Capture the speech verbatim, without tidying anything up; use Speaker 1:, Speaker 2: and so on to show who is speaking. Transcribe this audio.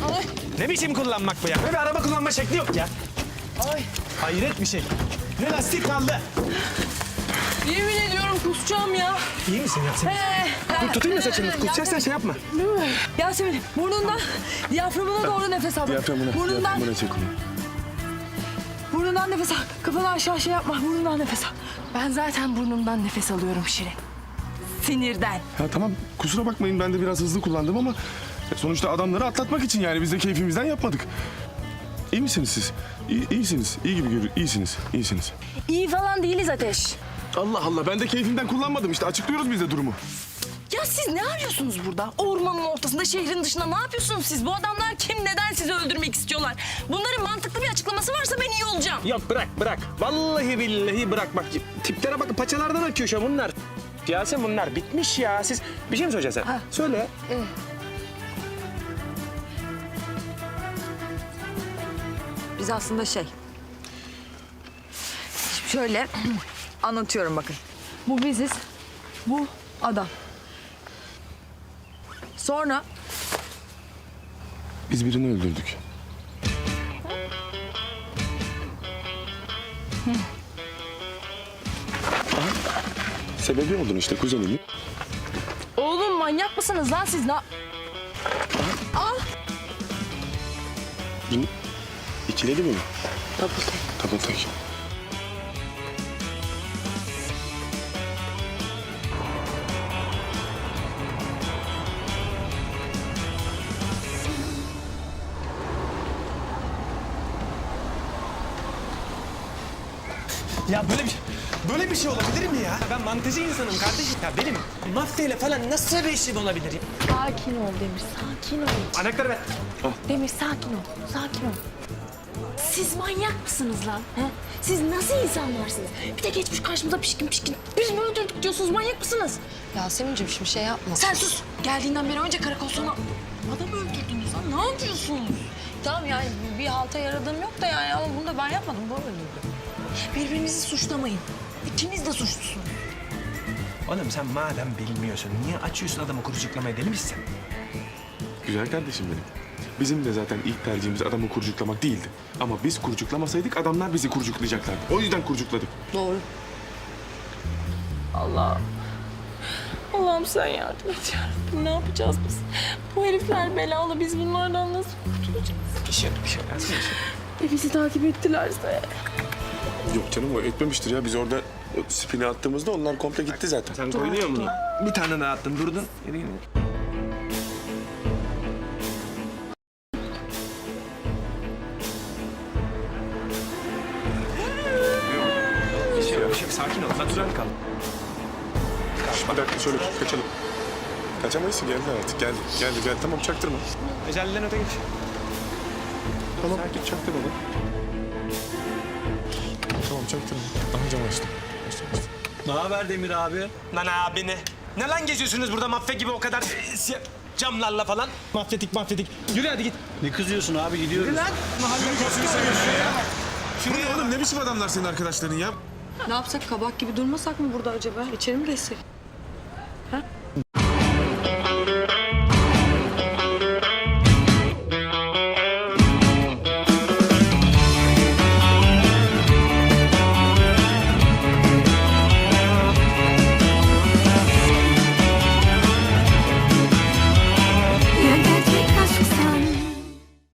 Speaker 1: Ay.
Speaker 2: Ne biçim kullanmak bu ya? Böyle bir araba kullanma şekli yok ya.
Speaker 1: Ay.
Speaker 2: Hayret bir şey. Ne lastik kaldı.
Speaker 1: Yemin ediyorum kusacağım ya.
Speaker 2: İyi misin Yasemin?
Speaker 1: Ee,
Speaker 2: Dur tutayım da saçını. Kusacaksan şey yapma.
Speaker 1: Yasemin burnundan diyaframına doğru nefes al.
Speaker 3: Diyaframına,
Speaker 1: Burnundan,
Speaker 3: diyaframına çek onu.
Speaker 1: burnundan nefes al. Kafanı aşağı şey yapma. Burnundan nefes al. Ben zaten burnumdan nefes alıyorum Şirin. Sinirden.
Speaker 3: Ya tamam kusura bakmayın ben de biraz hızlı kullandım ama sonuçta adamları atlatmak için yani biz de keyfimizden yapmadık. İyi misiniz siz? İyi, iyisiniz. İyi gibi görünüyor. İyisiniz. İyisiniz.
Speaker 1: İyi falan değiliz Ateş.
Speaker 3: Allah Allah ben de keyfimden kullanmadım işte açıklıyoruz biz de durumu.
Speaker 1: Ya siz ne arıyorsunuz burada? Ormanın ortasında, şehrin dışında ne yapıyorsunuz siz? Bu adamlar kim, neden sizi öldürmek istiyorlar? Bunların mantıklı bir açıklaması varsa ben iyi olacağım.
Speaker 2: Yok bırak bırak. Vallahi billahi bırak bak. Tiplere bak paçalardan akıyor şu an bunlar. Yasemin bunlar bitmiş ya. Siz bir şey mi söyleyeceksin sen?
Speaker 1: Ha.
Speaker 2: Söyle.
Speaker 4: Biz aslında şey... Şimdi şöyle anlatıyorum bakın. Bu biziz, bu adam. Sonra
Speaker 3: Biz birini öldürdük. Aha, sebebi oldun işte kuzenimin.
Speaker 1: Oğlum manyak mısınız lan siz? Ne...
Speaker 3: Bunu ikiledi mi?
Speaker 1: Double
Speaker 3: Double take.
Speaker 2: Ya böyle bir böyle bir şey olabilir mi ya? Ben mantıcı insanım kardeşim. Ya benim mafyayla falan nasıl bir işim olabilir ya?
Speaker 1: Sakin ol Demir, sakin ol.
Speaker 2: Anahtarı ver.
Speaker 1: Demir sakin ol, sakin ol. Siz manyak mısınız lan? He? Siz nasıl insanlarsınız? Bir de geçmiş karşımıza pişkin pişkin. Biz mi öldürdük diyorsunuz, manyak mısınız?
Speaker 4: Yasemin'ciğim şimdi şey yapma.
Speaker 1: Sen sus. Geldiğinden beri önce karakol sonra adam öldürdünüz lan. Ne yapıyorsunuz?
Speaker 4: Tamam yani bir halta yaradığım yok da yani ama bunu da ben yapmadım. Bu öldürdü.
Speaker 1: Birbirinizi suçlamayın. İkiniz de suçlusunuz.
Speaker 2: Oğlum sen madem bilmiyorsun niye açıyorsun adamı kurucuklamaya, deli misin sen?
Speaker 3: Güzel kardeşim benim. Bizim de zaten ilk tercihimiz adamı kurcuklamak değildi. Ama biz kurcuklamasaydık adamlar bizi kurcuklayacaklardı. O yüzden kurcukladık.
Speaker 4: Doğru.
Speaker 1: Allah'ım. Allah'ım sen yardım et yarabbim. Ne yapacağız biz? Bu herifler belalı. Biz bunlardan nasıl kurtulacağız?
Speaker 2: Bir şey bir şey lazım.
Speaker 1: E bizi takip ettilerse.
Speaker 3: Yok canım o etmemiştir ya. Biz orada spini attığımızda onlar komple gitti zaten.
Speaker 2: Sen koyuyor mu? Bir tane daha attın durdun. Yürü yürü. Bir şey yok, bir şey yok. Sakin ol. Natürel kal.
Speaker 3: Bir dakika şöyle kaçalım. Kaçamayız ki geldi artık. Geldi. Geldi geldi. Tamam çaktırma.
Speaker 2: Ecelinden öte geç.
Speaker 3: Tamam çaktırma lan. Tamam çaktırma. Aha cam açtım. Açtım açtım.
Speaker 2: Ne haber Demir abi? Lan abi ne? Ne lan geziyorsunuz burada mafya gibi o kadar e, siyah camlarla falan? Mafyatik mafyatik. Yürü hadi git.
Speaker 5: Ne kızıyorsun abi, gidiyoruz.
Speaker 2: Yürü lan. Mahalle koskoca ya.
Speaker 3: Şuraya oğlum ne biçim adamlar senin arkadaşların ya?
Speaker 4: Ne yapsak kabak gibi durmasak mı burada acaba? İçeri mi geçsek? Ha?